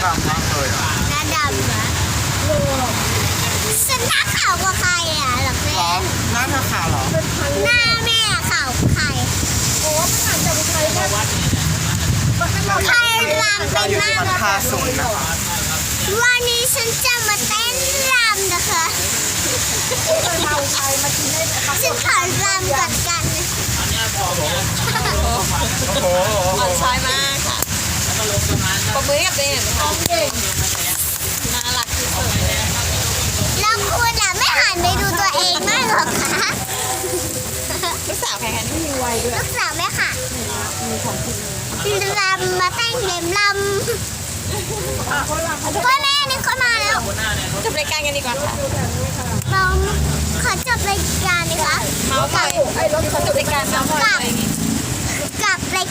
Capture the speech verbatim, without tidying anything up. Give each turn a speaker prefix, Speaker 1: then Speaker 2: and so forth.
Speaker 1: ดำมากเลยอ่ะ
Speaker 2: หน้าดำนะฉันหน้าขาวกว่าใครอ่ะหรอก
Speaker 1: หร
Speaker 2: แม่
Speaker 1: อหน้าเธอขาวเหรอ
Speaker 2: หน้าแม่ขาวกว่าใครโอ้ผ่านจากใครเนี่ยใครรำเป็นมาก
Speaker 1: ราคาสูงนะคะ
Speaker 2: วันนี้ฉันจะมาเต้นรำนะคะฉันขอรำก่อนกัน
Speaker 1: โอ้โห
Speaker 3: อ่อนช้อยมากค่ะปรบมือให้กับตัวเองหน่อยค่ะน่ารักที่สุด
Speaker 2: แล้วคุณอ่ะไม่หันไปดูตัวเองมากหรอคะ
Speaker 3: ลูกสาวใครคะนี่มีวัยด้วย
Speaker 2: ลูกสาวแม่ค่ะรำมาเต้นเล่มรำพ่อแม่นี่ก็มาแล้ว
Speaker 3: จบรายการกันดีกว่าค่ะ
Speaker 2: เราขอจบรายการนะคะ
Speaker 3: เมาส์มอยขอจบรายการเมาส์มอยอะไรอย่างงี้